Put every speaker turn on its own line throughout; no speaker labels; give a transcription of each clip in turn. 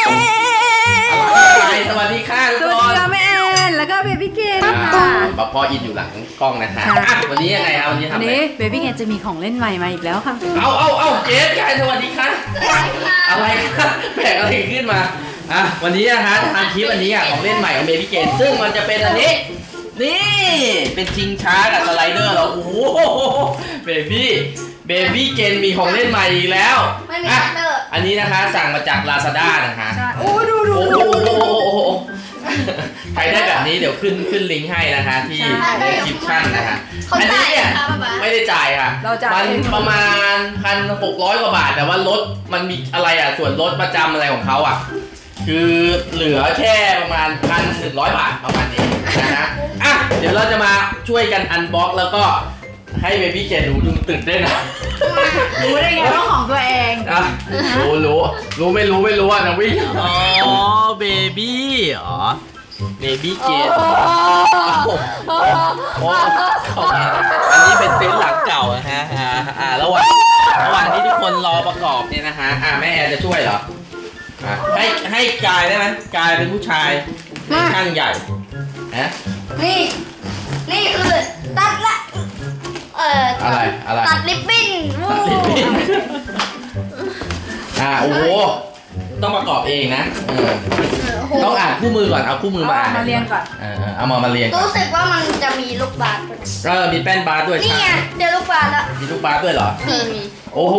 อะไรสวัสดีค่ะทุก
ส
ค
วัสดี
น
ค่ะแม่แอนแล้วก็เบบี้เกน
พ่ออินอยู่หลังกล้องนะคะวันนี้ยังไงครับวันนี้ทำอะไร
นี่เบบี้เกนจะมีของเล่นใหม่มาอีกแล้วค่ะ
เอาเกสกายสวัสดีค่ะอะไรคะแบกอะไรขึ้นมาวันนี้นะฮะทำคลิปอันนี้ของเล่นใหม่ของเบบี้เกนซึ่งมันจะเป็นอันนี้นี่เป็นชิงช้ากับสไลเดอร์เหรอโอ้โหเบบี้เกนมีของเล่นใหม่อีกแล้ว
ไม่มีคัตเตอร์
อันนี้นะคะสั่งมาจาก Lazada นะคะ
โอ้ดู
โอ้โหใครได้แบบนี้เดี๋ยวขึ้นลิงก์ให้นะคะที่ในคลิปชั่นนะคะอันนี้เนี่ยไม่ได้จ่ายค่ะมันประมาณ 1,600 กว่าบาทแต่ว่ารถมันมีอะไรส่วนลดประจำอะไรของเขาคือเหลือแค่ประมาณ 1,100 บาทประมาณนี้นะเดี๋ยวเราจะมาช่วยกันอันบ็อกแล้วก็ให้เบบี้เกดดูตื่นเต้นนะ
รู้ได้ไงว่าของตัวเอง
รู้ไม่รู้นะวิ่งอ๋อเบบี้เบบี้เกดอันนี้เป็นเต็นท์หลังเก่านะฮะระหว่างที่ทุกคนรอประกอบเนี่ยนะฮะแม่แอนจะช่วยเหรอให้กายได้ไหมกายเป็นผู้ชายเป็นช่างใหญ่นะ
นี่คือตัดละ
อะไร
ตัดลิปบิ้นวู้
โอ้โหต้องประกอบเองนะต้องอ่านคู่มือก่อนเอาคู่มือมาอ่าน
มาเรียงก่อน
เอามาเรียงก่อน
รู้สึกว่ามันจะมีลูกบาศก์
มีแป้นบาสด้วย
นี่ไงเจอลูกบาศก์แล้ว
มีลูกบาสด้วยเหรอ
มี
โอ้โห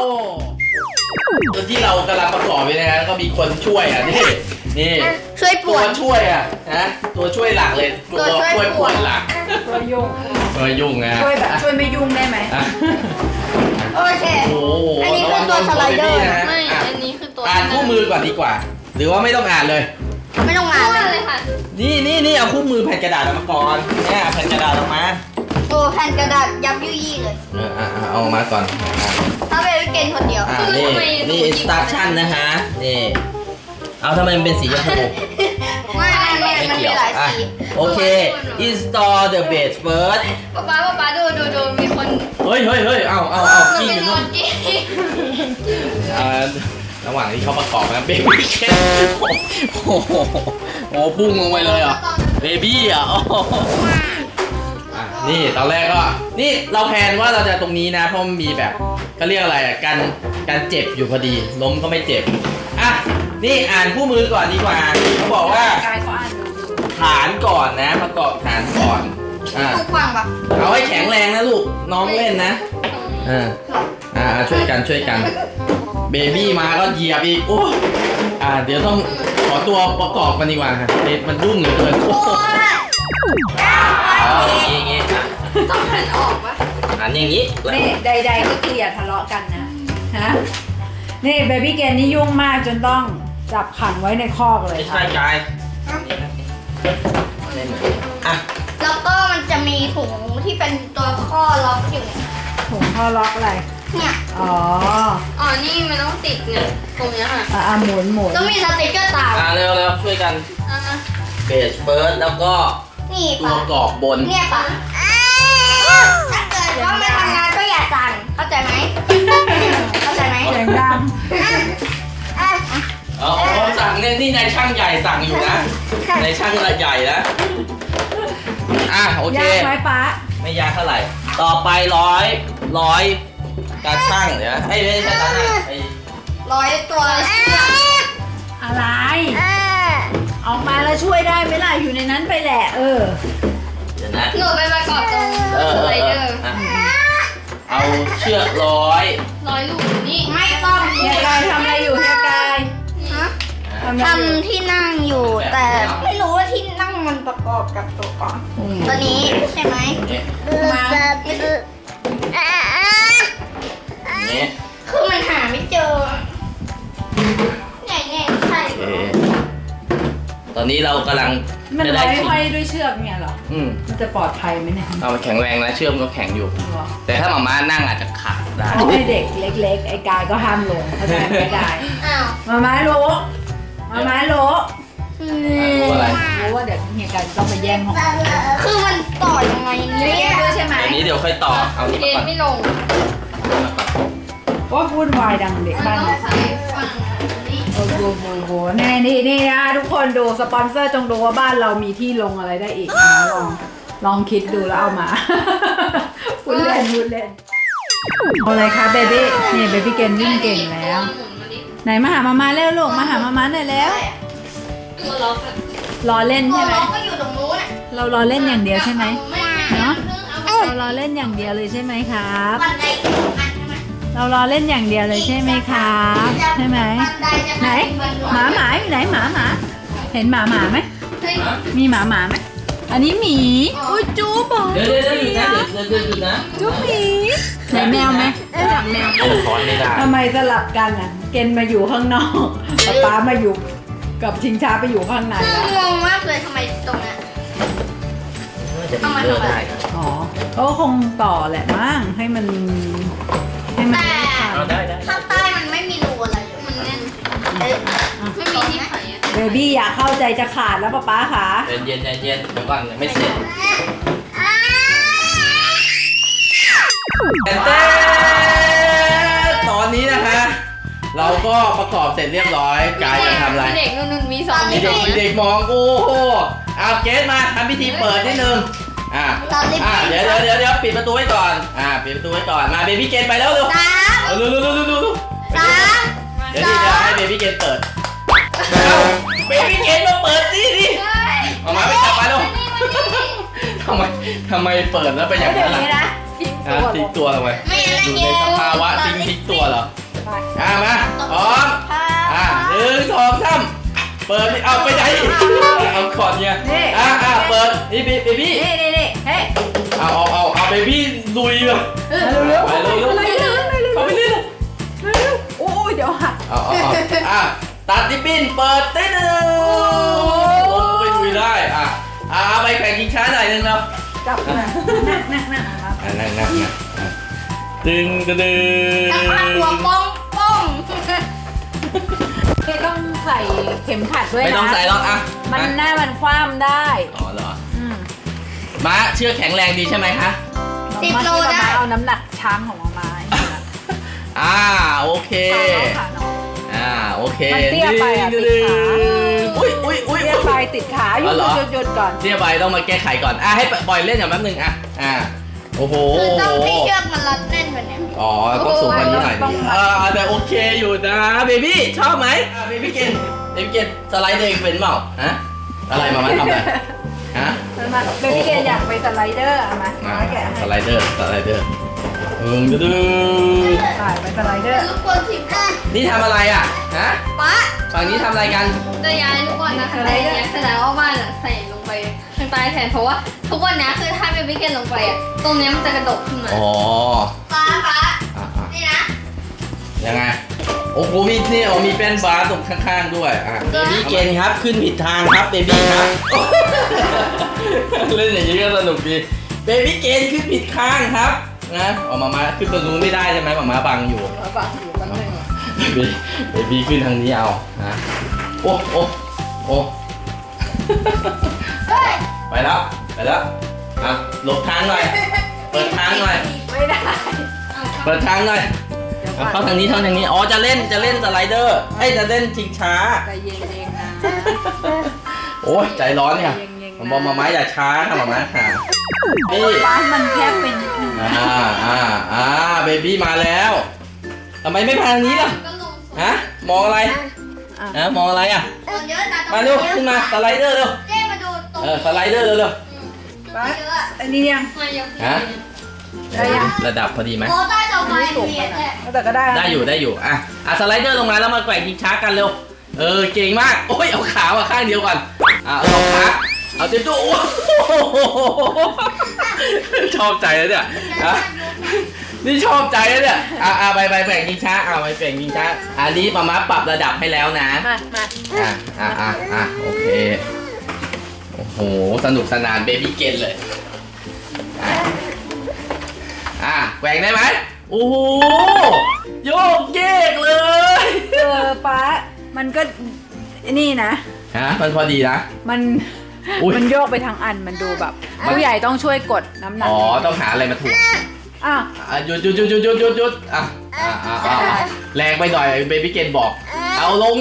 ตัวที่เรากำลังประกอบไปนะก็มีคนช่วยนี่
ช่วยป
ตัว ว
ด
ช่วยนะตัวช่วยหลักเลยตัวช่วยปวดหลัก
ตัวยุ่ง
ยุ่งนะ
ช่วยแบบช่วยไม่ยุ่งได้ไหม
โอเค
โอ้โห
อันนี้คือตัวสไลเดอร์
ไม่ อันนี้คือตัว
อ่านคู่มือก่อนดีกว่า หรือว่าไม่ต้องอ่านเลย
ไม่ต้องงาน
เลยค่ะ
นี่เอาคู่มือแผ่นกระดาษออกมาก่อนเนี่ยแผ่นกระดาษออกมา
โอ้แผ่นกระดาษยับยุยี่เลย
เอาออกมาก่อน
ถ้าเป็นเกนคนเดียว
นี่ instruction นะฮะนี่เอาทำไมมันเป็นสีชมพู
มันมีหลายสี
โอเค install the base first
ป๊าดูมีคน
เฮ้ยเอา
มัน
กี้
เป็
อน ยู่
น
นู่
อน นกี้
ระหว่างที่เขาประกอบนะเบบี้เคนโอ้โหพุ่งลงไปเลยเบบี้นี่ตอนแรกก็นี่เราแพลนว่าเราจะตรงนี้นะเพราะมันมีแบบเขาเรียกอะไรการเจ็บอยู่พอดีล้มก็ไม่เจ็บนี่อ่านคู่มือก่อนดีกว่าเขาบอกว่า
กายเขาอ่านดู
ฐานก่อนนะประกอบฐานก่อน
ทุกฟังปะ
เอาให้แข็งแรงนะลูกน้องเล่นนะช่วยกันเบบี้มาก็เหยียบอีกโอ้เดี๋ยวต้องขอตัวประกอบกันดีกว่าค่ะมันรุ่งเหลือเกินโอ้อย่างงี้
ต้องหันออกปะ
อย่างงี้
นี่ใดๆก็คืออย่าทะเลาะกันนะฮะนี่เบบี้เกนนี่ยุ่งมากจนต้องจับขังไว้ในคอกเลย
ไม่
ค่ะ
ใช่กาย
แล้วก็มันจะมีถุงที่เป็นตัวข้อล็อกอยู่
ถุงท่อล็อกอะไร
เนี่ย
อ๋อ
อ๋อ นี่มันต้องติดเนี่ยตรงเนี้ยค่ะ
หมุน
ต้องมีสติ๊กเกอร์ตาม
เร็วช่วยกัน
อ่ะ
เบสเฟิร์สแล้วก็
นี่
ตัว
ปะ
กรอบบน
เนี่ยปะถ้าเกิดว่าไม่ทำงานก็อย่าสั่งเข้าใจไหมเข้าใจไหม
เสียงดัง
สั่งนี่นายช่างใหญ่สั่งอยู่นะนายช่างใหญ่นะโอเค
ยากไหมป๊า
ไม่ยากเท่าไหร่ ต่อไปร้อยการช่างเดี๋ยวไม่ใช่การช่าง
ร้อยตัว
อะไรออกมาแล้วช่วยได้ไหมล่ะอยู่ในนั้นไปแหละ
เดี๋ยวนะ
หนูไปประกอบตรงสไลเดอร์
เอาเชือกร้อย
ลูกนี่
ไม่ต้อง
เฮียกายทำอะไรอยู่เฮียกาย ทำอะไรอยู่
ทำที่นั่งอยู่แต่ไม่รู้ว่าที่นั่งมันประกอบกับตัวก่อนตัวนี้ใช่ไหม
มา
นี่
คือมันหาไม่เจอเนี่ยใช่
ตอนนี้เรากำลัง
มัน
จะ
ร้
ได้
อย
ชิ้น
ห้อยด้วยเชือกเนี่ยเหรอ มันจะปลอดภัยไหมเนี่ย
เอามันแข็งแรงนะเชือกมันก็แข็งอยู่ แต่ถ้าหมาม่านั่งอาจจะขาดได้
เอาให้เด็กเล็กๆ ไอ้กายก็ห้ามลงเข้าใจไม่ได้
อ้าว
มาม้าโล
รู้อะไร
รู้ว่าเดี๋ยวเฮียกายจะต้องไปแย่งของ
คือมันต่อยังไง
เฮีย
เนี่
แย่
ย
งด้วยใช่ไหม
อันนี้เดี๋ยวค่อยต่อเอานี่
เรี
มาย
น
ก่อน
ไม่ลง
ว่าพูดวายดังเด็ก
มัน
บ้าน
ต้อง
เนี่ย
ใช้ฝั่งนี้
โหนี่นะทุกคนดูสปอนเซอร์จงดูว่าบ้านเรามีที่ลงอะไรได้อีกนะลองคิดดูแล้วเอามา พูดเล่นเอาเลยค่ะเบบี้นี่เบบี้เกนวิ่งเก่งแล้ว
หมุนมาดิ
ไหนมาหามาเร็วลูกมาหามาหน่อยแล้ว
ตัวล็อกอะ
รอเล่น
ตัว
ใช่ไหม
น้องก็อยู่ตรงนู้นอ่ะ
เรารอเล่นอย่างเดียวใช่ไหม
ไม่
เนาะ
เอา
เรารอเล่นอย่างเดียวเลยใช่ไหมครับ
บันไดสองอันใช่ไหม
เรารอเล่นอย่างเดียวเลยใช่ไหมครับใช่ไหม
บันไดจะ
ไหนหมาอยู่ไหนหมาเห็นหมาไหม
เฮ้ย
มีหมาไหมอันนี้หมีอุ้ยจูบบอก
เดี๋ยวหยุดนะเดี๋ยวหยุดนะ
จูบหมีไหนแมวไหมอยากแมว
ถอนไม่ได้
ทำไมสลับกันอ่ะเกณฑ์มาอยู่ข้างนอกป๊ามาอยู่กับชิงช้าไปอยู่ข้างในแล้ว
งงมากเลยทำไมตรงนั้น
จะมีเลือดได้นะ
อ๋อเขาคงต่อแหละมั้งให้มัน
แต่
เอาได้
ข้างใต้มันไม่มีรูอะไรเลย
มันแน่น
เอ๊ะ
ไม่มีที่ไขอะ
เบบี้อยากเข้าใจจะขาดแล้วป๊าขา
เย็นเดี๋ยวก่อนไม่เสร็จแต่ตอนนี้นะคะ เราก็ประกอบเสร็จเรียบร้อยกายจะทำอะไร
เด็กนุ่นมีสอง
มีเด็กมองโอ้โหเอาเกสมาทำพิธีเปิดนิดนึงเดี๋ยวปิดประตูไว้ก่อนปิดประตูไว้ก่อนมาเบบี้เกนไปแล้วเร็ว
สาม
เร็ว
สาม
เดี๋ยวให้เบบี้เกนเปิดเบบี้เกนมาเปิดดิออกมาไปจับมาเร็วทำไมเปิดแล้วไปอย่าง
เดี๋ย
นั้
วน นี้
ล่ะ
นะทิ้งตัว
ทิ้งตัวทำไม
ไม่งั้น
อยู่
เย็
ใน
น
สภาวะทิ้งตัวเหรอมาพร้อม
พา
1 2 3เปิดเอาไปไหนเอาก่อนเนี่ยเปิดนี่เบบี้
นี่เฮ้ย
เอาเบบี้ลุยเลย
เร็ว
ไปเร็ว เข้าไปเร็ว
โอ้ยเดี๋ยวหัก
ตัดดิปิ้นเปิดได้เลยลงไปลุยได้ไปแข่งกินช้าหน่อยนึงเนาะ
จับนะนั่ง
ดึง
แล้วพาหัวป้อง
ไม่ต้องใส่เข็มขัดด้วยนะ
ไม่ต้องใส่หรอก
มันหน้ามันคว่ำได้
อ๋อเหรอม้าเชือกแข็งแรงดีใช่ไหมคะ
10 โลได้
เอาน้ำหนักช้างของมา
โอเค
ขาน้อง
โอเค
มันเตี้ยไปติดขา
อุ้ย
เตี้ยไปติดขาหยุดก่อน
เตี้ยไปต้องมาแก้ไขก่อนให้ปล่อยเล่นอย่างแป๊บนึงโอ้โห
คือต้องให้เชือกมันรัดแน่นแบบนี้
ต้องสูงกว่านี้หน่อยดิแต่โอเคอยู่นะเบบี้ชอบไหมเบบี้เกนสไลด์เองเป็นเปล่าอะไรมาทำอะไร
เบบี้เกนอยากไปสไลเดอร์เอามาแกะให้
สไลเดอร์ดื้อ
ไปสไลเดอร์
ลูกคนสิบ
นี่ทำอะไร
ป๊า
ฝั่งนี้ทำอะไรกัน
จะย้ายลูกบอลนะข้างใต้เนี่ยแสดงว่าบ้านใส่ลงไปข้างใต้แทนเพราะว่าทุกวันนี้คือถ้าเป็นวิกเกนลงไปตรงนี้มันจะกระดกขึ้นมา
ป๊านี่นะ
ยังไงโอ้โหมีแป้นบาร์ตรงข้างๆด้วยเบบี้เกนครับขึ้นผิดทางครับเบบี้ครับเล่นอย่างนี้ก็สนุกดีเบบี้เกนขึ้นผิดข้างครับนะมาขึ้นตรงนู้นไม่ได้ใช่ไหมมาบังอยู่เบบี้ขึ้นทางนี้เอาโอ้ไปแล้วหลบทางหน่อยเปิดทางหน่อย
ไม่ได้
เปิดทางหน่อยเข้าทางนี้จะเล่นสไลเดอร์จะเล่นชิงช้า
ใจเย็นๆนะ
โอ้ยใจร้อนเนี่ยผมบอกมาอย่าช้าค่ะมาค่ะนี่
บ้านมันแคบเป็น
เบบี้มาแล้วทำไมไม่มาทางนี้ล่ะ
ก็ลง
มองอะไรมองอะไร
เยอะนะ
มาเร็วขึ้นมาสไลเดอร์เร็ว
เจ๊มาดูตรง
สไลเดอร์เร็ว
บ้านอันนี้ยัง
มายัง
ระดับพอดีไหม
โอ้ใต้ต่อไป
ไม่สูง
เพีย
ข
แห
นา
ละ
ดแต่ก็ได้
ได้อยู่สไลเดอร์ลงมาแล้วมาแกว่งยิงช้ากันเร็วเก่งมากโอ้ยเอาขาข้างเดียวก่อนเอาขาเอาเต็มตัวชอบใจแล้วเนี่ยนี่ชอบใจแล้วเนี่ยไปแกว่งยิงช้าไปแกว่งยิงช้าอันนี้มาปรับระดับให้แล้วนะ
มา
โอเคโอ้โหสนุกสนานเบบี้เกนเลยแกว่งได้ไหมโอ้โหโยกเยกเลย
ป๊ามันก็นี่นะ
มันพอดีนะ
มันโยกไปทางอันมันดูแบบผู้ใหญ่ต้องช่วยกดน้ำหนัก
ต้องหาอะไรมาถูกหยุดแรงไปหน่อยเบบี้เกนบอกเอาลง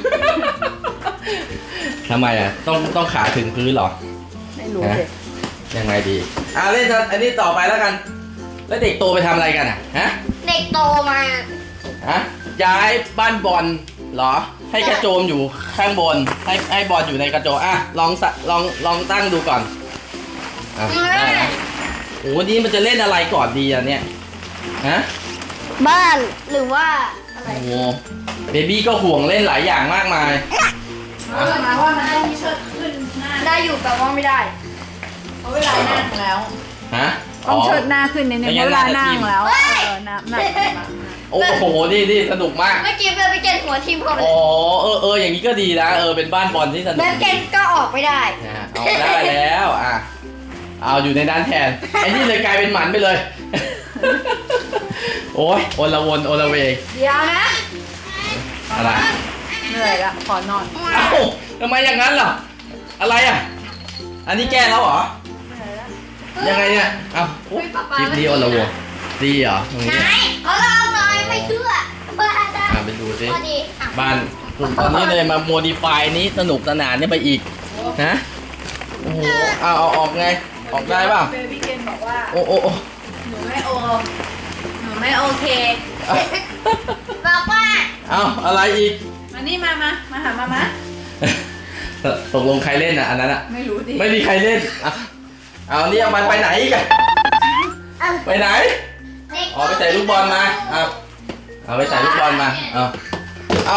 ทำไมอ่ะต้องขาถึงพื้นเหรอ
ไม่รู้สิ
ยังไงดีเล่นอันนี้ต่อไปแล้วกัน แล้วเด็กโตไปทำอะไรกันอ่ะฮะ
เด็กโตมา
ฮะย้ายบ้านบอลเหรอ ให้กระโจมอยู่ข้างบนให้บอลอยู่ในกระโจมลองตั้งดูก่อนได้นะโอ้วันนี้มันจะเล่นอะไรก่อนดีอ่ะเนี่ยฮะ
บ้านหรือว่าอะไร
โอ้เบบี้ก็ห่วงเล่นหลายอย่างมากมาย
มาว่ามันต้องเชิดขึ้นหน้า
ได้อยู่แต่ว่าไม่ได้
เพราะเวลานั่งแล้ว
ฮะ
ต้องเชิดหน้าขึ้นนิดนึงเพราะเวลานั่งแล้วน้ำหนัก
โอ้โหนี่สนุกมาก
เมื่อกี้เบลไปเกนหัวทิ่มเข้าไป
อ๋ออย่างนี้ก็ดีนะเป็นบ้านบอลที่สนุก
แล้วเกนก็ออกไม่ได้
เอาได้แล้วเอาอยู่ในด้านแทนไอ้นี่เลยกลายเป็นหมันไปเลย โอ้ยโอละวนโอละเวง
เดี๋ยวนะ
อะไร
เหนื่อยละขอนอน
เอ้าทำไมอย่างนั้นล่ะอะไรอ่ะอันนี้แก้แล้วเหรอยังไงเนี่ยคลิปนี้โอละวนดีเหรอตรง
ไหน
นี้
เขาลองหน่อยไม่เชื่อบ้าได้
ไปดูสิ
พอดี
บ้านตอนนี้เลยมาโมดิฟายนี้สนุกสนานนี่ไปอีกนะโอ้โหเอาออกไงออกได้ป่ะ
เบบี้เกนบอกว่า
โอ้
หนูไม่โอเค
บอกว่า
เอาอะไรอีก
มานี่มาหามา
ตกลงใครเล่นอ่ะอันนั้นอ่ะ
ไม่รู้ดิ
ไม่มีใครเล่นเอานี่เอามันไปไหนอีกันไปไหนไปใส่ลูกบอลมาเอาไปใส่ลูกบอลมาเอา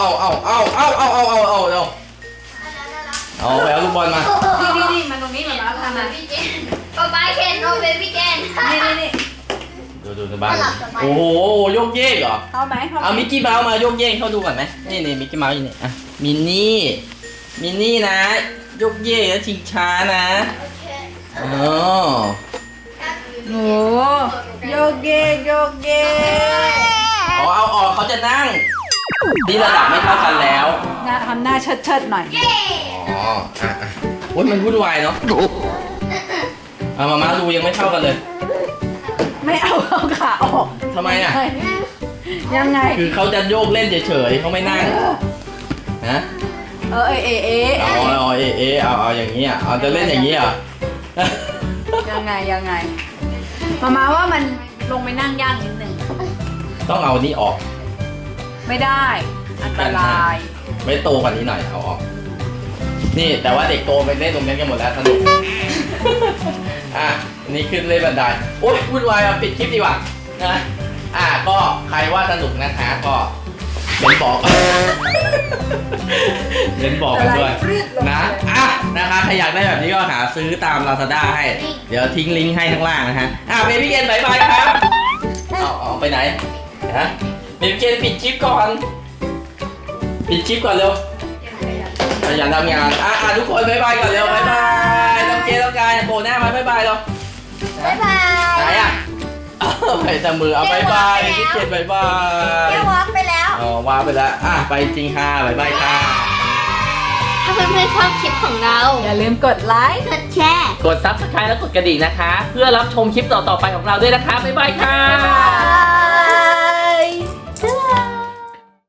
ไปเอาลูกบอลมา
นี่มาตรงนี้มาแล้วทำมา
ป๊าเคนโอเบบี้เกน
นี่
ดูในบ้านโอ้โหโยกเยกเหรอ
เข้าไหม
เอามิกกี้เมาส์มาโยกเยกเข้าดูก่อนไหมนี่มิกกี้เมาส์อยู่นี่มินนี่นะโยกเยกแล้วชิงช้านะอ๋อ
โอ้โยกเก
เอาออกเขาจะนั่งนี่ระดับไม่เท่ากันแล้ว
ทำหน้าเชิดหน่อย
อ๋อโอ้ยมันวุ่นวายเนาะมาดูยังไม่เท่ากันเลย
ไม่เอาขาออก
ทำไมอ่ะ
ยังไง
คือเขาจะโยกเล่นเฉยๆเขาไม่นั่งฮะเอาอย่างนี้เอาจะเล่นอย่างนี้เหรอ
ยังไงมาว่ามันลงไปนั่งยากนิดนึง
ต้องเอานี้ออก
ไม่ได้อันตราย
ไม่โตกว่านี้หน่อยเอาออกนี่แต่ว่าเด็กโตไปเล่นตรงนี้กันหมดแล้วสนุกนี่ขึ้นเล่นบันไดโอ๊ยวุ่นวายปิดคลิปดีกว่านะก็ใครว่าสนุกนะคะก็บอกกันด้วยนะคะใครอยากได้แบบนี้ก็หาซื้อตาม Lazada ให้เดี๋ยวทิ้งลิงก์ให้ข้างล่างนะฮะเบบี้เกนบายบายครับเอาไปไหนฮะเบบี้เกนปิดคลิปก่อนเร็วขยันทำงานทุกคนบายบายก่อนเร็วบายบายต้องเกต้องการโผล่หน้ามาบายบายเร็ว
บ๊ายบาย
ไหนไปแต่มือเอาบายบายพี่เกดบายบาย
แค่วอล์กไปแล้ว
วางไปแล้วไปจริงค่ะบายบายค่ะ
ถ้าเพื่อนๆชอบคลิปของเรา
อย่าลืมกดไลค์
กดแชร์
กด Subscribe แล้วกดกระดิ่งนะคะ เพื่อรับชมคลิปต่อๆไปของเราด้วยนะคะบ๊ายบายค่ะ
บ๊ายบาย